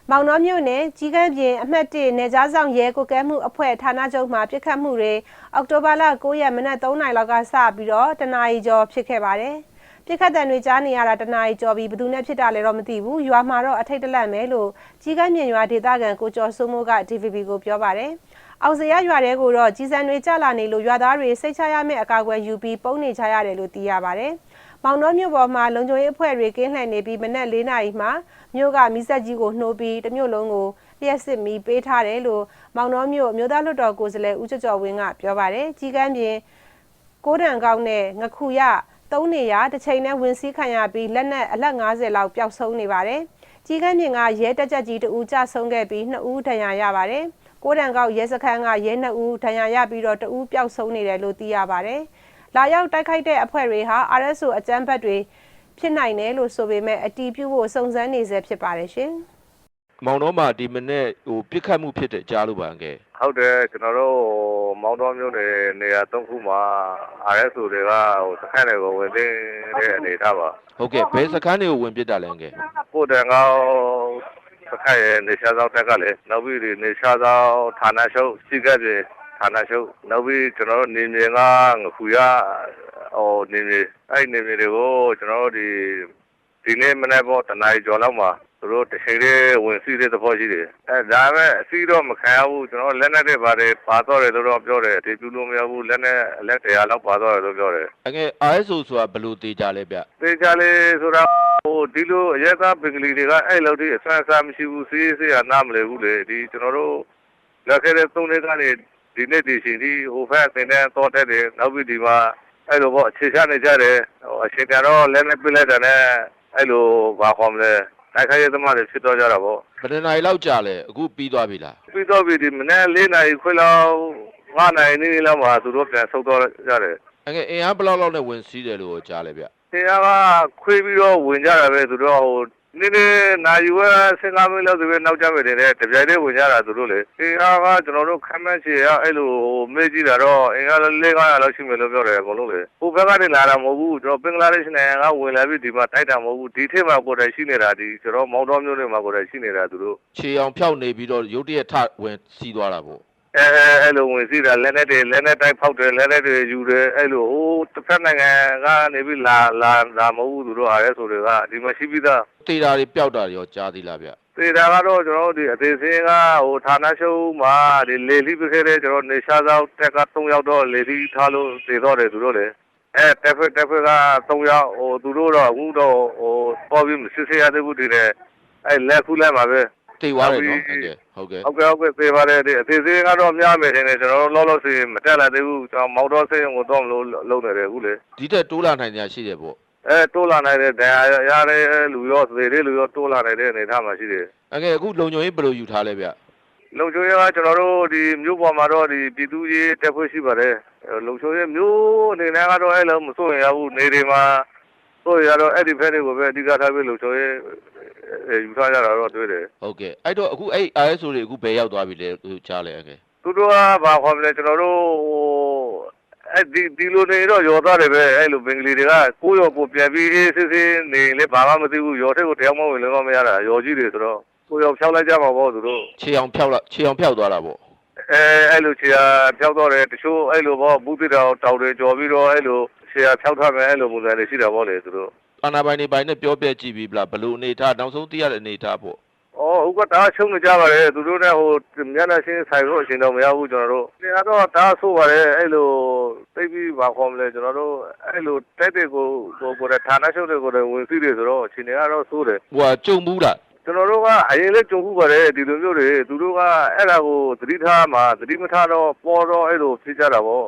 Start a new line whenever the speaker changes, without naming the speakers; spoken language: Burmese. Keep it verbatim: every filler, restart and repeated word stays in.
မောင်နှောမြို့နယ်ကြီးကန်းပြင်အမှတ်၁နယ်ကြားဆောင်ရဲကိုကဲမှုအဖွဲ့ဌာနချုပ်မှာပြစ်ခတ်မှုတွေအောက်တိုဘာလ၉ရက်မနက်၃နာရီလောက်ကစပြီးတော့တနာရီကျော်ဖြစ်ခဲ့ပါတယ်။ပြစ်ခတ်တဲ့တွေကြားနေရတာတနာရီကျော်ပြီးဘယ်သူနဲ့ဖြစ်တာလဲတော့မသိဘူး။ရွာမှာတော့အထိတ်တလန့်ပဲလို့ကြီးကန်းပြင်ရွာဒေသခံကိုကျော်စိုးမိုးက D V B ကိုပြောပါတယ်။အောင်စရရွာတဲကိုတော့ကြီးစံတွေကြလာနေလို့ရွာသားတွေစိတ်ချရမယ့်အကာအကွယ်ယူပြီးပုံနေကြရတယ်လို့သိရပါတယ်။မောင်နှောမြို့ပေါ်မှာလုံခြုံရေးအဖွဲ့တွေကင်းလှည့်နေပြီးမနက်၄နာရီမှာမြို့ကမီးစက်ကြီးကိုနှိုးပြီးတမြို့လုံးကိုလျှက်စစ်မီးပေးထားတယ်လို့မောင်နှောမြို့မြို့သားလွှတ်တော်ကိုယ်စားလှယ်ဦးကျော်ကျော်ဝင်းကပြောပါတယ်။ကြီးကန်းပြင်ကိုးတန်ကောက်နဲ့ငခုရသုံးနေရတစ်ချိန်နဲ့ဝင်စည်းခံရပြီးလက်နက်အလက်၅၀လောက်ပျောက်ဆုံးနေပါတယ်။ကြီးကန်းပြင်ကရဲတက်ကြကြီးတဦးကြဆုံးခဲ့ပြီးနှစ်ဦးဒဏ်ရာရပါတယ်။ကိုးတန်ကောက်ရဲစခန်းကရဲနှစ်ဦးဒဏ်ရာရပြီးတော့တဦးပျောက်ဆုံးနေတယ်လို့သိရပါတယ်။လာရောက်တိုက်ခိုက်တဲ့အဖွဲ့တွေဟာ R S O အကြမ်းဖက်တွေဖြစ်နိုင်တယ်လို့ဆိုပေမဲ့အတီးပြုဖို့စုံစမ်းနေစေဖြစ်ပါတယ်ရှင်
။မောင်တော်မှာဒီမနေ့ဟိုပြစ်ခတ်မှုဖြစ်တဲ့ကြားလို့ပါငယ်
။ဟုတ်တယ်ကျွန်တော်တို့မောင်တော်မျိုးနယ်နေရာသုံးခုမှာ R S O တွေကဟိုစခန်းတွေကိုဝင်သိတဲ့အနေထားပါ
။ဟုတ်ကဲ့ဘယ်စခန်းတွေကိုဝင်ပစ်တာလဲငယ်
။ကိုတန်ကောစခန်းရဲ့နေရှားဆောင်တက်ကလည်းနောက်ပြီးဒီနေရှားဆောင်ဌာနချုပ်စီကပ်ပြေဌာနချုပ်နောက်ပြီးကျွန်တော်တို့နေမြေကငခုရဟိုနေမြေအဲ့နေမြေတွေကိုကျွန်တော်တို့ဒီဒီနေ့မနေ့ပေါ်တနားရီကျော်လောက်မှာသူတို့တစ်ချိန်လေးဝင်စီးတဲ့သဘောရှိတယ်အဲဒါပဲအစီတော့မခံရဘူးကျွန်တော်လက်နဲ့တွေပါတယ်ပါတော့တယ်လို့တော့ပြောတယ်ဒီပြလို့မရဘူးလက်နဲ့လက်တရားလောက်ပါတော့တယ်လို့ပြောတယ်
အငယ် R S O ဆိုတာဘယ်လိုတေးကြလဲဗျ
တေးကြလေဆိုတာဟိုဒီလိုအရက်သားပင်ကလေးတွေကအဲ့လောက်ထိအဆန်းအစားမရှိဘူးစီးစီးရနားမလဲဘူးလေဒီကျွန်တော်တို့လက်ခဲတဲ့သုံးလေးကနေဒီနေ့ဒီရှင်ဒီဟိုဖက်တင်တဲ့တော့တဲ့တယ်နောက်ပြီးဒီမှာအဲ့လိုပေါ့အခြေချနေကြတယ်ဟိုအခြေခံတော့လက်နဲ့ပြလိုက်တာနဲ့အဲ့လိုဘာခေါ်မလဲတိုက်ခိုက်ရသမားတွေဖြစ်တော့ကြတာပေါ့
ဘယ်နှစ်နာရီလောက်ကြာလဲအခုပြီးသွားပြီလား
ပြီးတော့ပြီဒီမနေ့၄နာရီခွဲလောက်၅နာရီနေလောက်မှာသူတို့ပြန်ဆုတ်တော့ကြတယ်
အငယ်အင်အားဘယ်လောက်လောက်နဲ့ဝင်စီးတယ်လို့ကြားလဲဗျ
အင်အားကခွေးပြီးတော့ဝင်ကြတာပဲသူတို့ဟိုနည်းနည်းနိုင်ရွယ်ဆင်ကားမင်းလောက်ဆိုပဲနောက်ကျမယ်တဲ့တပြိုင်တည်းဝင်ကြတာသူတို့လေအင်အားကကျွန်တော်တို့ခမ်းမန်းချေရအဲ့လိုမေးကြည့်တာတော့အင်အားလေး၅၀၀လောက်ရှိမယ်လို့ပြောတယ်အကုန်လုံးလေဟိုဘက်ကနေလာတာမဟုတ်ဘူးကျွန်တော်ဘင်္ဂလားဒေ့ရှ်နိုင်ငံကဝင်လာပြီးဒီမှာတိုက်တာမဟုတ်ဘူးဒီထက်မှကိုယ်တိုင်ရှိနေတာဒီကျွန်တော်မောင်တော်မျိုးတွေမှာကိုယ်တိုင်ရှိနေတာသူတို့
ခြေအောင်ဖြောက်နေပြီးတော့ရုတ်တရက်ထဝင်စီးသွားတာပေါ့
အဲအဲ့လိုဝင်စီးတာလက်နဲ့တွေလက်နဲ့တိုက်ဖောက်တယ်လက်နဲ့တွေယူတယ်အဲ့လိုဟိုတစ်ဖက်နိုင်ငံကနေပြီးလာလာလာမဟုတ်ဘူးသူတို့အားရဲဆိုတွေကဒီမှာရှိပြီးသား
တေတာတွေပျောက်တာတွေရောကြားသေးလားဗျ
တေတာကတော့ကျွန်တော်တို့ဒီအသေးစင်းကဟိုဌာနချုပ်မှာဒီလေလီပြခဲ့တဲ့ကျွန်တော်နေရှားသောတက်က၃ယောက်တော့လေလီထားလို့သေတော့တယ်သူတို့လေအဲတက်ဖက်တက်ဖက်က၃ယောက်ဟိုသူတို့တော့အခုတော့ဟိုပေါ်ပြီးမစစ်ဆေးရသေးဘူးဒီလေအဲလက်ခုလက်မှာပဲ
တေသွားတယ်နော်ဟုတ်ကဲ့
ဟုတ်ကဲ့ဟုတ်ကဲ့သေပါတယ်ဒီအသေးသေးကတော့များမယ်ထင်တယ်ကျွန်တော်တို့လောလောဆယ်မတက်လာသေးဘူးကျွန်တော်မောက်တော့စိတ်ကိုတော့မလို့လုံးနေတယ်အခုလေ
ဒီတက်တိုးလာနိုင်ကြရှိတယ်ပေါ့
အဲတိုးလာနိုင်တဲ့ဒဏ်ရာရတဲ့လူရောသေတဲ့လူရောတိုးလာနိုင်တဲ့အနေအထားမှာရှိတယ်
အကဲအခုလုံခြုံရေးဘယ်လိုယူထားလဲဗျ
လုံခြုံရေးကကျွန်တော်တို့ဒီမြို့ပေါ်မှာတော့ဒီပြည်သူရေးတက်ဖွဲ့ရှိပါတယ်လုံခြုံရေးမြို့အနေနဲ့ကတော့အဲ့လိုမစိုးရင်ရဘူးနေတွေမှာဆိုရတော့အဲ့ဒီဖက်တွေကိုပဲအဓိကထားပြီးလုံခြုံရေးယူထားကြတာတော့တွေ့တယ်
ဟုတ်ကဲ့အဲ့တော့အခုအဲ့ R S O တွေအခုဘယ်ရောက်သွားပြီလဲသူကြားလဲအကဲ
သူတို့ကဘာခေါ်မလဲကျွန်တော်တို့အဲ့ဒီဒီလိုနေတော့ရောသားတယ်ပဲအဲ့လိုဘင်္ဂလီတွေကကိုရောကိုပြန်ပြီးအေးစစ်စစ်နေလေဘာမှမသိဘူးရောထက်ကိုတရားမဝင်လည်းမရတာရောကြီးတွေဆိုတော့ကိုရောဖြောက်လိုက်ကြမှာပေါ့သူတို့
ခြေအောင်ဖြောက်လိုက်ခြေအောင်ဖြောက်သွားတာပေါ့
အဲအဲ့လိုခြေအားဖြောက်တော့တယ်တချို့အဲ့လိုပေါ့ဘူးတိတောင်တောက်တွေကြော်ပြီးတော့အဲ့လိုခြေအားဖြောက်ထားမယ်အဲ့လိုပုံစံတွေရှိတာပေါ့လေသူတို့
အာနာပိုင်နေပိုင်နဲ့ပြောပြကြည့်ပြီးဗလားဘလို့အနေထားနောက်ဆုံးသိရတဲ့အနေထားပေါ့
အော်ဟုတ်ကဒါချုံနေကြပါလေသူတို့နဲ့ဟိုမျက်နှာချင်းဆိုင်လို့အရှင်တော့မရဘူးကျွန်တော်တို့ဒီကတော့ဒါဆိုပါလေအဲ့လိုသိပြီးဘာခေါ်မလဲကျွန်တော်တို့အဲ့လိုတိုက်တဲ့ကိုကိုကိုဌာနချုပ်တွေကိုဝင်စီးတယ်ဆိုတော့အရှင်တွေကတော့ဆိုးတယ်
ဟိုကကြုံဘူးလား
ကျွန်တော်တို့ကအရင်လေးကြုံခုပါတယ်ဒီလိုမျိုးတွေသူတို့ကအဲ့ဒါကိုသတိထားမှာသတိမထားတော့ပေါ်တော့အဲ့လိုဖြစ်ကြတာပေါ့